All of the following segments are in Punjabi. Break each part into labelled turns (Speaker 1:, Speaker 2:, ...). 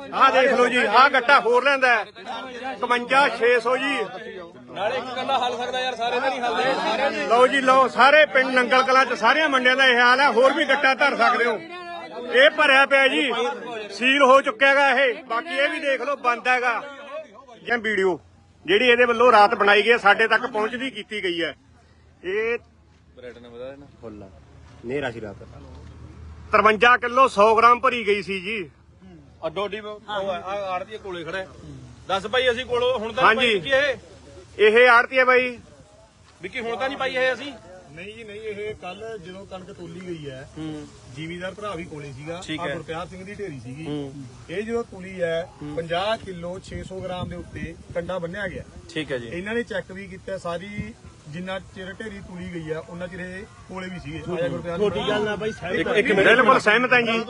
Speaker 1: ਆਹ ਦੇਖ ਲਓ ਜੀ, ਆਹ ਗੱਟਾ ਹੋਰ ਲੈਂਦਾ 55600 ਜੀ।
Speaker 2: ਨਾਲੇ ਇੱਕ ਗੱਲਾਂ ਹੱਲ ਸਕਦਾ ਯਾਰ, ਸਾਰੇ ਤਾਂ ਨਹੀਂ ਹੱਲਦੇ ਸਾਰੇ।
Speaker 1: ਲਓ ਜੀ ਲਓ, ਸਾਰੇ ਪਿੰਡ ਨੰਗਲ ਕਲਾਂ ਚ ਸਾਰਿਆਂ ਮੰਡਿਆਂ ਦਾ ਇਹ ਹਾਲ ਹੈ। ਹੋਰ ਵੀ ਗੱਟਾ ਧਰ ਸਕਦੇ ਹੋ। ਇਹ ਭਰਿਆ ਪਿਆ ਜੀ, ਸੀਲ ਹੋ ਚੁੱਕਿਆ ਹੈਗਾ ਇਹ। ਬਾਕੀ ਇਹ ਵੀ ਦੇਖ ਲਓ ਬੰਦ ਹੈਗਾ। ਜਾਂ ਵੀਡੀਓ ਜਿਹੜੀ ਇਹਦੇ ਵੱਲੋਂ ਰਾਤ ਬਣਾਈ ਗਈ ਸਾਡੇ ਤੱਕ ਪਹੁੰਚਦੀ ਕੀਤੀ ਗਈ ਹੈ। ਇਹ ਫੁੱਲ ਨੇਰਾ ਸੀ ਰਾਤ 53 ਕਿਲੋ 100 ਗ੍ਰਾਮ ਭਰੀ ਗਈ ਸੀ ਜੀ।
Speaker 2: ਅੱਡੋਡੀ ਆੜਤੀ ਕੋਲੇ ਖੜਾ। ਦੱਸ ਭਾਈ ਅਸੀਂ ਕੋਲੋਂ ਹੁਣ ਤਾਂ
Speaker 1: ਹਾਂਜੀ ਇਹ ਆੜਤੀ ਹੈ ਬਾਈ
Speaker 2: ਵਿੱਕੀ, ਹੁਣ ਤਾਂ ਨਹੀਂ ਪਾਈ ਇਹ ਅਸੀਂ।
Speaker 3: ਨਹੀਂ ਜੀ ਨਹੀਂ, ਇਹ ਕੱਲ ਜਦੋਂ ਕਣਕ ਤੋਲੀ ਗਈ ਹੈ ਜ਼ਿਮੀਦਾਰ ਭਰਾ ਵੀ ਕੋਲੇ ਸੀਗਾ, ਗੁਰਪਿਆਰ ਸਿੰਘ ਦੀ ਢੇਰੀ ਸੀਗੀ। ਇਹ ਜਦੋਂ ਤੁਲੀ ਹੈ 50 ਕਿਲੋ 600 ਗ੍ਰਾਮ ਦੇ ਉੱਤੇ ਕੰਡਾ ਬੰਨਿਆ ਗਿਆ।
Speaker 2: ਠੀਕ ਹੈ ਜੀ।
Speaker 3: ਇਹਨਾਂ ਨੇ ਚੈੱਕ ਵੀ ਕੀਤਾ ਸਾਰੀ, ਜਿੰਨਾ ਚਿਰ ਢੇਰੀ ਤੁਲੀ ਗਈ ਆ ਉਹਨਾਂ ਚਿਰ ਇਹ ਕੋਲੇ ਵੀ ਸੀਗੇ।
Speaker 1: ਛੋਟੀ ਗੱਲ ਨਾ ਬਾਈ, ਇੱਕ ਮਿੰਟ ਬਿਲਕੁਲ ਸਹਿਮਤ ਹਾਂ ਜੀ।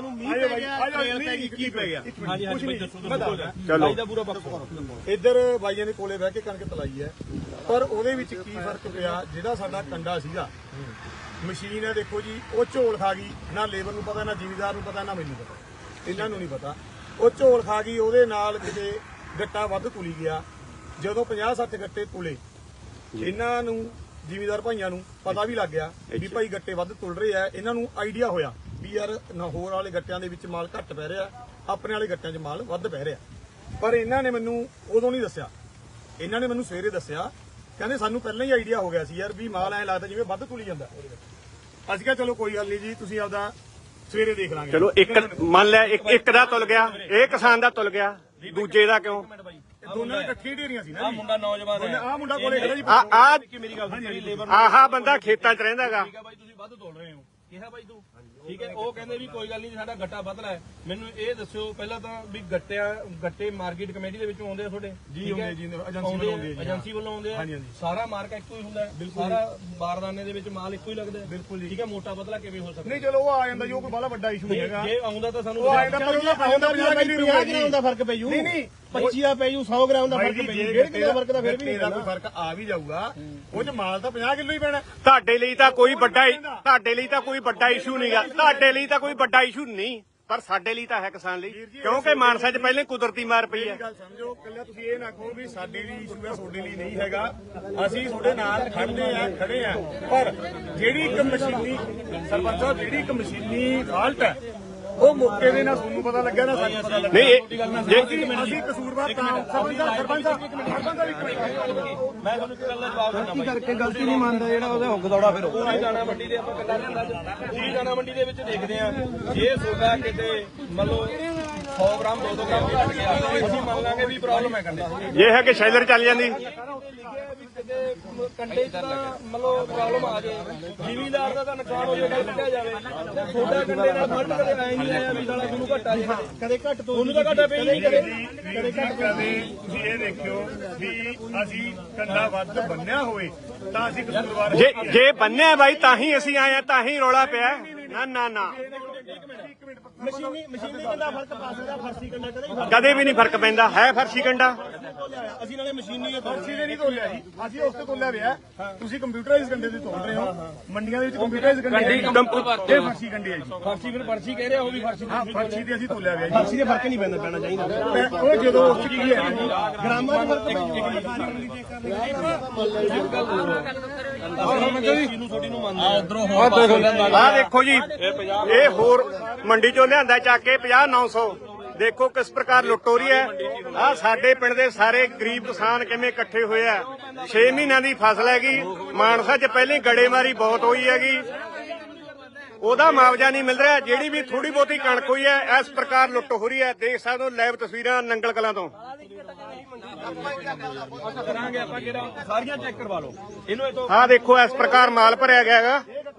Speaker 3: ਕੀ ਪੈ ਗਿਆ?
Speaker 2: ਹਾਂਜੀ ਹਾਂਜੀ ਬਾਈ ਦੱਸੋ।
Speaker 1: ਚਲੋ
Speaker 2: ਦਾ ਪੂਰਾ ਪੱਕਾ
Speaker 3: ਇੱਧਰ ਬਾਈਆਂ ਦੇ ਕੋਲੇ ਬਹਿ ਕੇ ਕਣਕ ਤਲਾਈ ਹੈ, ਪਰ ਉਹਦੇ ਵਿੱਚ ਕੀ ਫਰਕ ਪਿਆ? ਜਿਹੜਾ ਸਾਡਾ ਕੰਡਾ ਸੀਗਾ, ਮਸ਼ੀਨ ਹੈ ਦੇਖੋ ਜੀ, ਉਹ ਝੋਲ ਖਾ ਗਈ। ਨਾ ਲੇਬਰ ਨੂੰ ਪਤਾ, ਨਾ ਜ਼ਿਮੀਦਾਰ ਨੂੰ ਪਤਾ, ਨਾ ਮੈਨੂੰ ਪਤਾ, ਇਹਨਾਂ ਨੂੰ ਨਹੀਂ ਪਤਾ। ਉਹ ਝੋਲ ਖਾ ਗਈ, ਉਹਦੇ ਨਾਲ ਕਿਤੇ ਗੱਟਾ ਵੱਧ ਤੁਲੀ ਗਿਆ। ਜਦੋਂ 50-60 ਗੱਟੇ ਤੁਲੇ, ਇਹਨਾਂ ਨੂੰ ਜ਼ਿਮੀਦਾਰ ਭਾਈਆਂ ਨੂੰ ਪਤਾ ਵੀ ਲੱਗ ਗਿਆ ਵੀ ਭਾਈ ਗੱਟੇ ਵੱਧ ਤੁਲ ਰਹੇ ਆ। ਇਹਨਾਂ ਨੂੰ ਆਈਡੀਆ ਹੋਇਆ ਵੀ ਯਾਰ ਹੋਰ ਵਾਲੇ ਗੱਟਿਆਂ ਦੇ ਵਿੱਚ ਮਾਲ ਘੱਟ ਪੈ ਰਿਹਾ, ਆਪਣੇ ਵਾਲੇ ਗੱਟਿਆਂ 'ਚ ਮਾਲ ਵੱਧ ਪੈ ਰਿਹਾ। ਪਰ ਇਹਨਾਂ ਨੇ ਮੈਨੂੰ ਉਦੋਂ ਨਹੀਂ ਦੱਸਿਆ, ਇਹਨਾਂ ਨੇ ਮੈਨੂੰ ਸਵੇਰੇ ਦੱਸਿਆ। ਕਹਿੰਦੇ ਸਾਨੂੰ ਪਹਿਲਾਂ ਹੀ ਆਈਡੀਆ ਹੋ ਗਿਆ ਸੀ ਯਾਰ ਵੀ ਮਾਲ ਐਂ ਲੱਗਦਾ ਜਿਵੇਂ ਵੱਧ ਤੁਲੀ ਜਾਂਦਾ। ਅਸੀਂ ਕਿਹਾ ਚਲੋ ਕੋਈ ਗੱਲ ਨਹੀਂ ਜੀ, ਤੁਸੀਂ ਆਪਦਾ ਸਵੇਰੇ ਦੇਖ ਲਾਂਗੇ।
Speaker 1: ਚਲੋ ਇੱਕ ਮੰਨ ਲਿਆ, ਇੱਕ ਦਾ ਤੁਲ ਗਿਆ, ਇਹ ਕਿਸਾਨ ਦਾ ਤੁਲ ਗਿਆ, ਦੂਜੇ ਦਾ ਕਿਉਂ?
Speaker 3: ਦੋਨਾਂ ਦੀ ਇਕੱਠੀਆਂ ਢੇਰੀਆਂ ਸੀ ਨਾ।
Speaker 2: ਮੁੰਡਾ ਨੌਜਵਾਨ ਹੈ,
Speaker 3: ਆਹ ਮੁੰਡਾ ਕੋਲੇ ਖੜਾ ਜੀ।
Speaker 2: ਮੇਰੀ ਗੱਲ ਸੁਣ, ਲੇਬਰ
Speaker 1: ਆਹਾ ਬੰਦਾ ਖੇਤਾਂ 'ਚ ਰਹਿੰਦਾ ਹੈਗਾ।
Speaker 2: ਠੀਕ ਹੈ ਬਾਈ, ਤੁਸੀਂ ਵੱਧ ਤੋਲ ਰਹੇ ਹੋ, ਕਿਹਾ ਬਾਈ ਤੂੰ ਠੀਕ ਹੈ। ਉਹ ਕਹਿੰਦੇ ਵੀ ਕੋਈ ਗੱਲ ਨਹੀਂ, ਸਾਡਾ ਗੱਟਾ ਬਦਲਾ ਹੈ। ਮੈਨੂੰ ਇਹ ਦੱਸਿਓ ਪਹਿਲਾਂ ਤਾਂ ਵੀ ਗੱਟੇ ਮਾਰਕੀਟ ਕਮੇਟੀ ਦੇ ਵਿੱਚੋਂ ਆਉਂਦੇ ਆ ਤੁਹਾਡੇ?
Speaker 3: ਜੀ ਆਉਂਦੇ ਜੀ, ਏਜੰਸੀ ਵੱਲੋਂ ਆਉਂਦੇ ਆ।
Speaker 2: ਏਜੰਸੀ ਵੱਲੋਂ ਆਉਂਦੇ ਆ। ਸਾਰਾ ਮਾਰਕਾ ਇੱਕੋ ਹੀ ਹੁੰਦਾ, ਸਾਰਾ ਬਾਰਦਾਨੇ ਦੇ ਵਿੱਚ ਮਾਲ ਇੱਕੋ ਹੀ ਲੱਗਦਾ। ਬਿਲਕੁਲ ਜੀ। ਠੀਕ ਹੈ, ਮੋਟਾ ਬਦਲਾ ਕਿਵੇਂ ਹੋ ਸਕਦਾ?
Speaker 3: ਨਹੀਂ ਚਲੋ ਉਹ ਆ ਜਾਂਦਾ ਜੀ, ਉਹ ਕੋਈ ਬੜਾ ਵੱਡਾ ਇਸ਼ੂ ਨਹੀਂ ਹੈਗਾ।
Speaker 2: ਜੇ ਆਉਂਦਾ ਤਾਂ ਸਾਨੂੰ
Speaker 3: ਉਹ ਆਉਂਦਾ, ਪਰ ਉਹਦਾ 50 ਗ੍ਰਾਮ
Speaker 2: ਦਾ ਫਰਕ ਪੈ ਜੂ।
Speaker 3: ਨਹੀਂ ਨਹੀਂ
Speaker 2: 25 ਦਾ ਪੈ ਜੂ, 100 ਗ੍ਰਾਮ ਦਾ ਫਰਕ ਪੈ ਜੂ। 1.5 ਕਿਲੋ ਦਾ ਫਰਕ ਤਾਂ ਫਿਰ ਵੀ ਨਹੀਂ।
Speaker 3: ਕੋਈ ਫਰਕ ਆ ਵੀ ਜਾਊਗਾ, ਉਹ 'ਚ ਮਾਲ ਤਾਂ 50 ਕਿਲੋ ਹੀ ਪੈਣਾ।
Speaker 1: ਤੁਹਾਡੇ ਲਈ ਤਾਂ ਕੋਈ ਵੱਡਾ ਇਸ਼ੂ ਨਹੀਂਗਾ, ਤੁਹਾਡੇ ਲਈ ਤਾਂ ਕੋਈ ਵੱਡਾ ਇਸ਼ੂ ਨਹੀਂ, ਪਰ ਸਾਡੇ ਲਈ ਤਾਂ ਹੈ ਕਿਸਾਨ ਲਈ, ਕਿਉਂਕਿ ਮਾਨਸਾ 'ਚ ਪਹਿਲੇ ਕੁਦਰਤੀ ਮਾਰ ਪਈ ਹੈ।
Speaker 3: ਗੱਲ ਸਮਝੋ, ਕੱਲਾ ਤੁਸੀਂ ਇਹ ਨਾ ਕਹੋ ਵੀ ਸਾਡੇ ਲਈ ਇਸ਼ੂ ਹੈ, ਤੁਹਾਡੇ ਲਈ ਨਹੀਂ ਹੈਗਾ। ਅਸੀਂ ਤੁਹਾਡੇ ਨਾਲ ਖੜੇ ਆ, ਪਰ ਜਿਹੜੀ ਇੱਕ ਮਸ਼ੀਨੀ ਸਰਪੰਚ ਸਾਹਿਬ, ਜਿਹੜੀ ਇੱਕ ਮਸ਼ੀਨੀ ਫਾਲਟ ਹੈ, ਉਹ ਮੌਕੇ ਦੇ ਨਾਲ ਤੁਹਾਨੂੰ ਪਤਾ ਲੱਗਿਆ ਨਾ ਸਾਨੂੰ ਪਤਾ ਲੱਗਾ।
Speaker 1: ਨਹੀਂ
Speaker 3: ਅਸੀਂ ਕਸੂਰਵਾਰ ਤਾਂ ਸਰਪੰਚ ਸਾਹਿਬ
Speaker 2: ਮੈਂ ਤੁਹਾਨੂੰ ਇੱਕ ਗੱਲ ਦਾ ਜਵਾਬ ਦਿੰਦਾ
Speaker 4: ਕਰਕੇ ਗਲਤੀ ਨਹੀਂ ਮੰਨਦਾ ਜਿਹੜਾ ਉਹਦਾ ਹੁੱਗ ਦੌੜਾ ਫਿਰ
Speaker 2: ਪੂਰੀ ਦਾਣਾ ਮੰਡੀ ਦੇ ਆਪਾਂ ਗੱਲਾਂ ਲਿਆਂਦਾ, ਪੂਰੀ ਦਾਣਾ ਮੰਡੀ ਦੇ ਵਿੱਚ ਦੇਖਦੇ ਆ। ਜੇ ਸੋਦਾ ਕਿਤੇ ਮੰਨ ਲਓ 100 ਗ੍ਰਾਮ 200 ਗ੍ਰਾਮ ਵੀ ਘਟ ਗਿਆ, ਅਸੀਂ ਮੰਨ ਲਾਂਗੇ ਵੀ ਪ੍ਰੋਬਲਮ ਹੈ ਕੰਡੇ।
Speaker 1: ਇਹ ਹੈ ਕਿ ਸ਼ੈਲਰ ਚੱਲ ਜਾਂਦੀ।
Speaker 2: ਕੰਡੇ 'ਚ ਤਾਂ ਮਤਲਬ ਪ੍ਰੋਬਲਮ ਆ ਜਾਏ, ਜ਼ਿਮੀਦਾਰ ਦਾ ਤਾਂ ਨੁਕਸਾਨ ਹੋ ਜਾਏ, ਕੱਢਿਆ ਜਾਵੇ। ਛੋਟਾ ਕੰਡੇ ਨਾਲ ਫਰਕ ਕਦੇ ਆਏ ਨਹੀਂ ਆਇਆ ਵੀ ਸਾਲਾ ਤੁਹਾਨੂੰ ਘਟਾ ਜੇ, ਕਦੇ ਘੱਟ ਤੋਂ ਉਹਨੂੰ ਤਾਂ ਘਟਾ ਪਈ ਨਹੀਂ ਕਦੇ ਘੱਟ।
Speaker 3: ਤੁਸੀਂ ਇਹ ਦੇਖਿਓ ਵੀ ਅਸੀਂ ਕੰਡਾ ਵੱਧ ਬੰਨਿਆ ਹੋਵੇ ਤਾਂ ਅਸੀਂ ਕਸੂਰਵਾਰ।
Speaker 1: ਜੇ ਬੰਨਿਆ ਬਾਈ ਤਾਂ ਹੀ ਅਸੀਂ ਆਏ ਆ, ਤਾਂ ਹੀ ਰੌਲਾ ਪਿਆ। ਨਾ
Speaker 2: ਮਸ਼ੀਨੀ ਕੰਡਾ ਫਰਕ ਪਾ ਸਕਦਾ, ਫਰਸੀ ਕੰਡਾ
Speaker 1: ਕਦੇ ਵੀ ਨਹੀਂ ਫਰਕ ਪੈਂਦਾ, ਹੈ ਫਰਸ਼ੀ ਕੰਡਾ।
Speaker 2: ਅਸੀਂ ਨਾਲੇ ਮਸ਼ੀਨੀ
Speaker 3: ਫਰਸੀ ਦੇ ਨਹੀਂ ਤੋਲਿਆ ਜੀ, ਅਸੀਂ ਉਸ ਤੇ ਤੋਲਿਆ ਪਿਆ। ਤੁਸੀਂ ਕੰਪਿਊਟਰਾਈਜ਼ ਕੰਡੇ ਤੇ ਤੋਲ ਰਹੇ ਹੋ, ਮੰਡੀਆਂ ਦੇ ਵਿੱਚ ਕੰਪਿਊਟਰਾਈਜ਼ ਕੰਡੇ। ਇਹ ਫਰਸੀ ਕੰਡੇ ਹੈ ਜੀ।
Speaker 2: ਫਰਸੀ ਫਿਰ ਫਰਸੀ ਕਹਿ ਰਿਹਾ, ਉਹ ਵੀ ਫਰਸੀ।
Speaker 3: ਹਾਂ, ਫਰਸੀ ਤੇ ਅਸੀਂ ਤੋਲਿਆ ਗਿਆ ਜੀ।
Speaker 2: ਫਰਸੀ ਦੇ ਫਰਕ ਨਹੀਂ ਪੈਣਾ ਚਾਹੀਦਾ।
Speaker 3: ਉਹ ਜਦੋਂ ਉਸ ਚ ਕੀ ਹੈ ਜੀ,
Speaker 2: ਗ੍ਰਾਮਾਂ ਦਾ ਫਰਕ
Speaker 1: ਆਹ ਦੇਖੋ ਜੀ, ਇਹ ਹੋਰ ਮੰਡੀ ਚੋਂ ਲਿਆਂਦਾ ਚੱਕ ਕੇ 50-900। ਦੇਖੋ ਕਿਸ ਪ੍ਰਕਾਰ ਲੁੱਟ ਹੋ ਰਹੀ ਹੈ। ਆਹ ਸਾਡੇ ਪਿੰਡ ਦੇ ਸਾਰੇ ਗਰੀਬ ਕਿਸਾਨ ਕਿਵੇਂ ਇਕੱਠੇ ਹੋਏ ਆ। 6 ਮਹੀਨਿਆਂ ਦੀ ਫਸਲ ਹੈਗੀ, ਮਾਨਸਾ 'ਚ ਪਹਿਲੀ ਗੜੇਮਾਰੀ ਬਹੁਤ ਹੋਈ ਹੈਗੀ, ਉਹਦਾ ਮੁਆਵਜ਼ਾ ਨਹੀਂ ਮਿਲ ਰਿਹਾ। ਜਿਹੜੀ ਵੀ ਥੋੜੀ ਬਹੁਤੀ ਕਣਕ ਹੋਈ ਹੈ, ਇਸ ਪ੍ਰਕਾਰ ਲੁੱਟ ਹੋ ਰਹੀ ਹੈ। ਦੇਖ ਸਕਦੇ ਹੋ ਲਾਈਵ ਤਸਵੀਰਾਂ ਨੰਗਲ ਕਲਾਂ ਤੋਂ।
Speaker 2: ਕਰਾਂਗੇ ਆਪਾਂ ਕਿਹੜਾ ਸਾਰੀਆਂ ਚੈੱਕ ਕਰਵਾ ਲਓ ਇਹਨੂੰ। ਇਹ ਤੋਂ
Speaker 1: ਆਹ ਦੇਖੋ ਇਸ ਪ੍ਰਕਾਰ ਮਾਲ ਭਰਿਆ ਗਿਆ ਹੈਗਾ।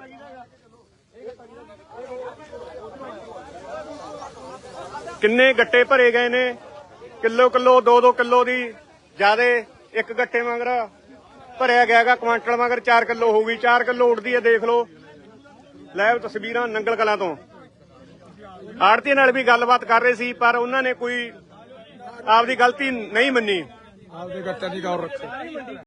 Speaker 1: ਕਿੰਨੇ ਗੱਟੇ ਭਰੇ ਗਏ ਨੇ, ਕਿਲੋ 2-2 ਕਿਲੋ ਦੀ ਜਿਆਦੇ ਇੱਕ ਗੱਟੇ ਮਗਰ ਭਰਿਆ ਗਿਆ ਹੈਗਾ। ਕੁਆਂਟਲ ਮਗਰ 4 ਕਿਲੋ ਹੋਊਗੀ, 4 ਕਿਲੋ ਉੱਡਦੀ ਹੈ। ਦੇਖ ਲਓ ਲਾਈਵ ਤਸਵੀਰਾਂ ਨੰਗਲ ਕਲਾਂ ਤੋਂ। ਆੜਤੀ ਨਾਲ ਵੀ ਗੱਲਬਾਤ ਕਰ ਰਹੇ ਸੀ, ਪਰ ਉਹਨਾਂ ਨੇ ਕੋਈ ਆਪਦੀ ਗਲਤੀ ਨਹੀਂ ਮੰਨੀ।
Speaker 4: ਆਪਦੇ ਗੱਟੇ ਦੀ ਗੌਰ ਰੱਖੋ।